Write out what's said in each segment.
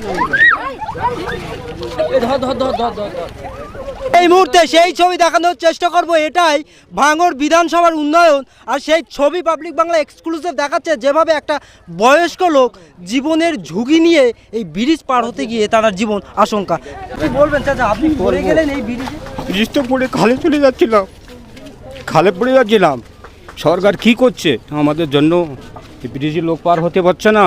এই মুহূর্তে সেই ছবি দেখানোর চেষ্টা করব, এটাই ভাঙড় বিধানসভার উন্নয়ন। আর সেই ছবি পাবলিক বাংলা এক্সক্লুসিভ দেখাচ্ছে যেভাবে একটা বয়স্ক লোক জীবনের ঝুঁকি নিয়ে এই ব্রিজ পার হতে গিয়ে তার জীবন আশঙ্কা। কি বলবেন চাচা, আপনি পড়ে গেলেন এই ব্রিজে? ব্রিজ তো পড়ে খালে চলে যাচ্ছিলাম, খালে পড়ে যাচ্ছিলাম। সরকার কি করছে আমাদের জন্য? ব্রিজে লোক পার হতে পারছে না।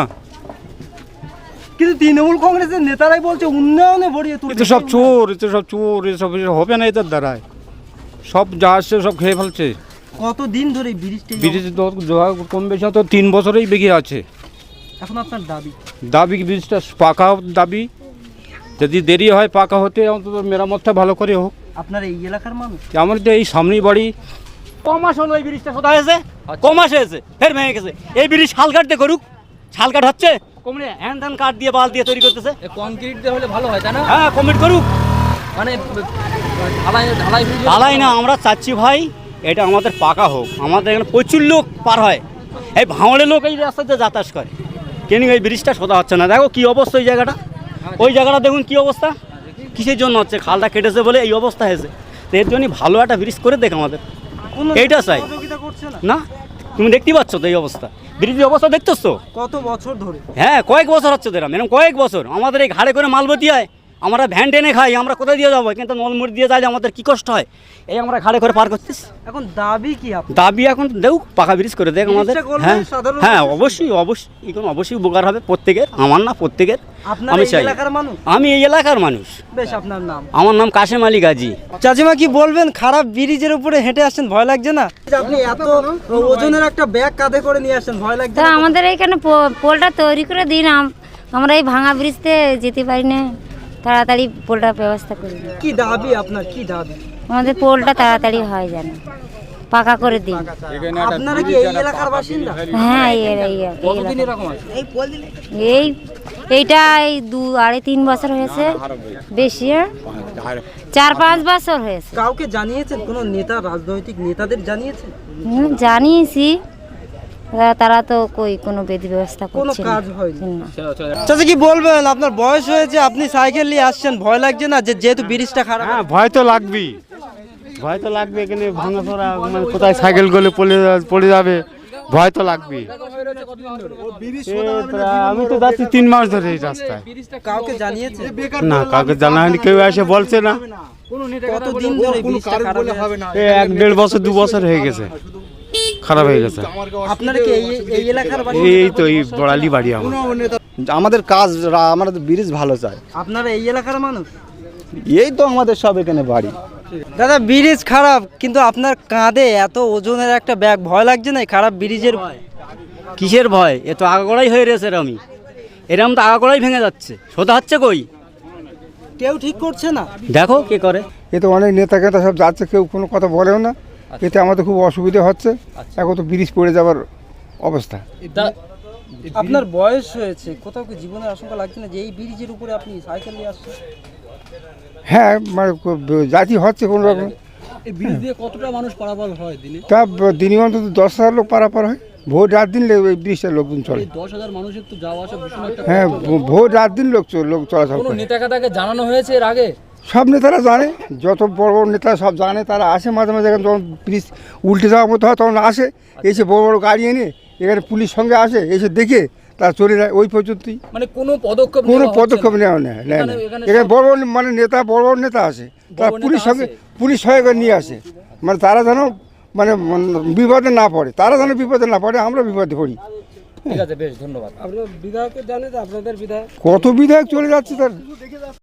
কিন্তু তৃণমূল কংগ্রেসের নেতারাই বলছে উন্নয়নে ভরিয়ে তুলছে। এতে সব চোর, এতে সব চোর, এসব হবে না এদের দ্বারায়। সব যা আসছে সব খেয়ে ফেলছে। কতদিন ধরে ব্রিজটা? ব্রিজ কম বেশি তো 3 বছরেই বেগে আছে। এখন আপনার দাবি ব্রিজটা পাকা দাবি, যদি দেরি হয় পাকা হতে অন্তত মেরামতটা ভালো করে হোক। আপনার এই এলাকার মানুষ? আমার তো এই সামনেই বাড়ি। কমাস হলো এই ব্রিজটা সোজা হয়েছে, কমাস হয়েছে, ফের ভেঙে গেছে। এই ব্রিজ শাল কাটতে করুক, শাল কাট হচ্ছে কমরে হ্যান্ড হ্যান্ড কাঠ দিয়ে বাল দিয়ে তৈরি করতেছে। কংক্রিট দিয়ে হলে ভালো হয়, তাই না? হ্যাঁ, কমপ্লিট করুক। মানে ঢালাই ঢালাই ঢালাই না, আমরা চাচ্ছি ভাই এটা আমাদের পাকা হোক। আমাদের এখানে প্রচুর লোক পার হয়, এই ভাঙড়ের লোক এই রাস্তাতে যাতায়াত করে, কিন্তু এই ব্রিজটা সোজা হচ্ছে না। দেখো কি অবস্থা ওই জায়গাটা, ওই জায়গাটা দেখুন কি অবস্থা। কিসের জন্য হচ্ছে? খালটা কেটেছে বলে এই অবস্থা হয়েছে। তো এর জন্যই ভালো একটা ব্রিজ করে দেখ আমাদের, এইটা চাই না। তুমি দেখতে পাচ্ছ তো এই অবস্থা, ব্রিজের অবস্থা দেখতেছ তো? কত বছর ধরে? হ্যাঁ, কয়েক বছর হচ্ছে তো এরকম কয়েক বছর। আমাদের এই ঘাড়ে করে মালবতি হয়, আমরা ভ্যান টেনে খাই, আমরা কোথায় দিয়ে যাবো? কিন্তু নলমুড়ি দিয়ে যাইলে আমাদের কি কষ্ট হয়। এই আমরা ঘাড়ে করে পার করতেছি। এখন দাবি কি? দাবি এখন দেখ পাকা ব্রিজ করে দেখ আমাদের। হ্যাঁ হ্যাঁ, অবশ্যই অবশ্যই, এখন অবশ্যই উপকার হবে প্রত্যেকের, আমার না প্রত্যেকের। আমি চাই, আমি এই এলাকার মানুষ। বেশ, আপনার নাম? আমার নাম কাশেম আলী গাজী। চাচিমা কি বলবেন, খারাপ ব্রিজের উপরে হেঁটে আসছেন, ভয় লাগছে না? আপনি এত ওজনের একটা ব্যাগ কাঁধে করে নিয়ে আসেন, ভয় লাগছে না? আমাদের এখানে পোলটা তৈরি করে দিন, আমরা এই ভাঙা ব্রিজতে যেতে পারি না, তাড়াতাড়ি পোলটার ব্যবস্থা করি। কি দাবি আপনার, কি দাবি? আমাদের পোলটা তাড়াতাড়ি হয় যেন, পাকা করে দিন। আপনারা কি এই এলাকার বাসিন্দা? হ্যাঁ, এইটা এই 2-3 বছর হয়েছে, বেশি 4-5 বছর হয়েছে। কাউকে জানিয়েছেন? কোনো নেতা, রাজনৈতিক নেতাদের জানিয়েছেন? জানিয়েছি, তারা তো কোনো বিধি ব্যবস্থা করছে না, কাজ হয়নি। চাচা কি বলবেন, আপনার বয়স হয়েছে, আপনি সাইকেল নিয়ে আসছেন, ভয় লাগছে না যেহেতু ব্রিজটা খারাপ? হ্যাঁ, ভয় তো লাগবেই, ভয় তো লাগবে। এখানে ভাঙাচোরা, মানে কোথায় সাইকেল গলে পড়ে যাবে, ভয় তো লাগবে। আমি তো যাচ্ছি 3 মাস ধরে এই রাস্তায়। কাউকে জানিয়েছে? না, কাউকে জানা হয়নি, কেউ এসে বলছে না। কতদিন ধরে ব্রিজটা খারাপ? 1-1.5 বছর 2 বছর হয়ে গেছে, খারাপ হয়ে গেছে। আপনারা কি এই এলাকার? এই তো এই বড়ালি বাড়ি আমাদের কাজ, আমাদের ব্রিজ ভালো চাই। আপনারা এই এলাকার মানুষ? এই তো আমাদের সব এখানে বাড়ি। দাদা, ব্রিজ খারাপ, কিন্তু আপনার কাঁধে এত ওজনের একটা ব্যাগ, ভয় লাগছে না খারাপ ব্রিজের? কিসের ভয়? এ তো আগাগোড়াই হয়ে রয়েছে এরম তো আগাগোড়াই ভেঙে যাচ্ছে, সোজা হচ্ছে কই? কেউ ঠিক করছে না। দেখো কে করে। এ তো অনেক নেতা কেতা সব যাচ্ছে, কেউ কোনো কথা বলেও না। এতে আমাদের খুব অসুবিধা হচ্ছে, এখন তো ব্রিজ পড়ে যাওয়ার অবস্থা। আপনার বয়স হয়েছে, কোথাও কি জীবনের আশঙ্কা লাগছে না যে এই ব্রিজের উপরে আপনি সাইকেল নিয়ে আসছেন? হ্যাঁ, মানে জাতি হচ্ছে কোনো রকম। এই ব্রিজ দিয়ে কতটা মানুষ পারাপার হয় দিনে? তা দিনে অন্তত 10,000 লোক পারাপার হয়। ভোর রাত দিন এই ব্রিজটা লোকজন চলে। 10,000 মানুষের তো যাওয়া আসা ভীষণ একটা। হ্যাঁ, ভোর রাত দিন লোক চলাচল কোনো করে। নেতাকে জানানো হয়েছে এর আগে? সব নেতারা জানে, যত বড় বড় নেতা সব জানে, তারা আসে মাঝে মাঝে। যখন ব্রিজ উল্টে যাওয়ার মতো হয় তখন আসে, এসে বড় বড় গাড়ি এনে এখানে পুলিশ সঙ্গে আসে, এসে দেখে তারা চলে যায়, ওই পর্যন্তই। মানে কোনো পদক্ষেপ নেওয়া নেয় না। এখানে বড় বড় মানে নেতা, বড় বড় নেতা আসে, তারা পুলিশ সঙ্গে নিয়ে আসে, মানে তারা যেন মানে বিপদে না পড়ে, তারা যেন বিপদে না পড়ে, আমরা বিপদে পড়ি। ঠিক আছে, বেশ, ধন্যবাদ। আপনার বিধায়কের জানে যে আপনাদের বিধায়ক? কত বিধায়ক চলে যাচ্ছে তার।